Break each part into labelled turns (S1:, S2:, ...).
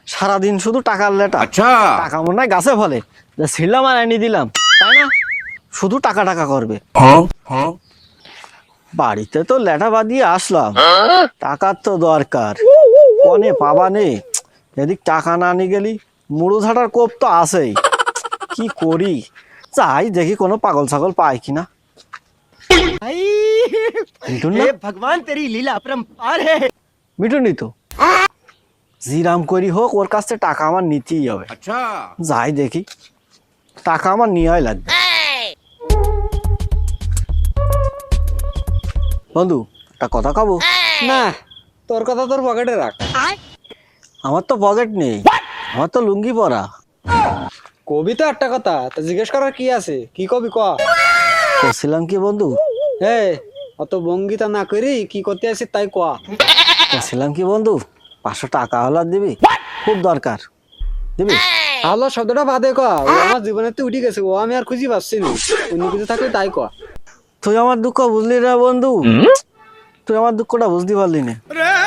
S1: সারাদিন শুধু টাকার লেটা।
S2: আচ্ছা
S1: টাকা মনে হয় গাছে ফলে, যা ছিলাম আর এনে দিলাম, তাই না? শুধু টাকা টাকা করবে। বাড়িতে তো লেটা বাঁধিয়ে আসলাম, টাকার তো দরকার, কনে পাবা নেই। এদিক টাকা না নিয়ে গেলি মুড়ো ঝাটার কোপ তো আছেই। কি করি, চাই দেখি কোনো পাগল ছাগল পায় কিনা। মিঠুন না?
S3: भगवान तेरी लीला अपरंपार है।
S1: মিঠুন নি তো, জিরাম করি হোক ওর কাছ থেকে টাকা আমার নিতেই হবে।
S2: আচ্ছা
S1: যাই দেখি, টাকা আমার নিয়েই লাগবে। বন্ধু একটা কথা কব?
S3: না, তোর কথা তোর পকেটে রাখ।
S1: আমার তো পকেট নেই, আমার তো লুঙ্গি পরা।
S3: কবি তো একটা কথা, তা জিজ্ঞেস করার কি আছে? কি কবি ক?
S1: বলছিলাম কি বন্ধু,
S3: হে, অত ভঙ্গিতা না করি কি করতে আসি তাই ক।
S1: বলছিলাম কি বন্ধু, 500 টাকা হলো আর দিবি, খুব দরকার, দিবি?
S3: আলো শব্দটা বাদে ক, ও আমার জীবনে তো উঠে গেছে, ও আমি আর খুঁজি পাচ্ছি না। অন্য কিছু থাকলে তাই ক।
S1: তুই আমার দুঃখ বুঝলি না বন্ধু, তুই আমার দুঃখটা বুঝতে পারলি না।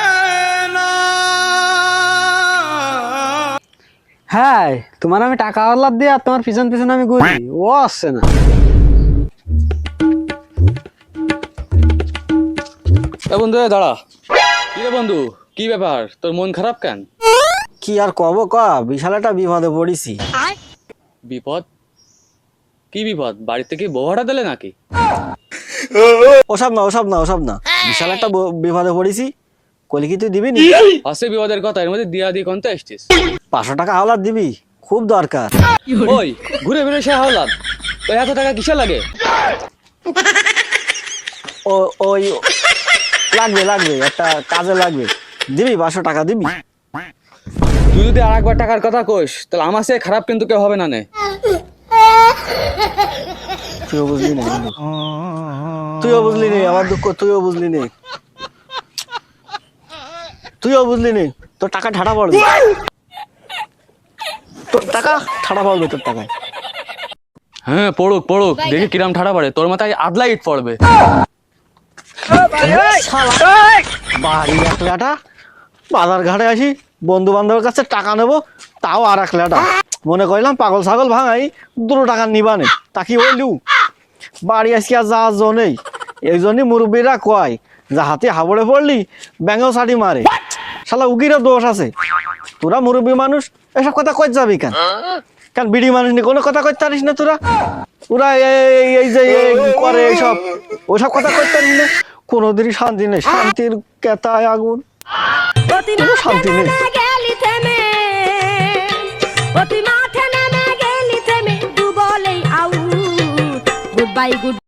S3: হ্যাঁ, তোমার আমি টাকা আল্লাদ দিয়ে আর তোমার পিছন পিছন আমি ঘুরি, ও আসছে না।
S4: বন্ধু দাঁড়া। কি রে বন্ধু, কি ব্যাপার, তোর মন খারাপ কেন?
S1: কি আর কব ক, বিশাল একটা বিপদে পড়েছি।
S4: বিপদ? কি বিপদ? বাড়িতে কি বউ ভাড়া দিলে নাকি?
S1: ওসব না ওসব না ওসব না, বিশাল একটা বিপদে পড়েছি। কইলি কি তুই দিবি নি?
S4: আছে বিপদের কথা, এর মধ্যে দিয়া দিয়ে কোনটা এসছিস?
S1: 500 টাকা হাওলাত দিবি, খুব দরকার।
S4: ওই ঘুরে ফিরে সে হাওলাত, তো এত টাকা কিসে লাগে?
S1: ওই লাগবে লাগবে, একটা কাজে লাগবে, দিবি 500 টাকা দিবি?
S4: তুই যদি আর একবার টাকার কথা কইস তাহলে আমার সে খারাপ কিন্তু কেউ হবে না নে।
S1: তুইও বুঝলি না বন্ধু, তুইও বুঝলি নে আমার দুঃখ, তুইও বুঝলি নে, তুইও বুঝলি নে। তোর টাকা ঠাড়া পড়বে, তোর টাকা ঠাড়া পড়বে, তোর টাকায়।
S4: হ্যাঁ পড়ুক পড়ুক, দেখি কিরাম ঠাড়া পড়ে, তোর মাথায় আদলা ইট পড়বে।
S1: বাড়ি 1 লাটা, বাজার ঘাটে আসি, বন্ধু বান্ধবের কাছে টাকা নেবো, তাও আর 1 লাটা। মনে করলাম পাগল ছাগল ভাঙাই 2 টাকা নিবানে, তা কি হইলু? বাড়ি আসি আর যাওয়ার জো নেই। এই জন্যই মুরব্বীরা কয়, যা হাতে হাবড়ে পড়লি ব্যাঙেও ছাটি মারে। শালা উকিরও দোষ আছে। তোরা মুরব্বী মানুষ, এসব কথা কই যাবি কেন? কেন বিড়ি মানুষ নিয়ে কোনো কথা কইতে পারিস না তোরা? ওরা এই যে করে এইসব, ওইসব কথা কইতে পারিস না। কোনোদিনই শান্তি নেই, শান্তির কেতায় আগুন, কোনো শান্তি নেই।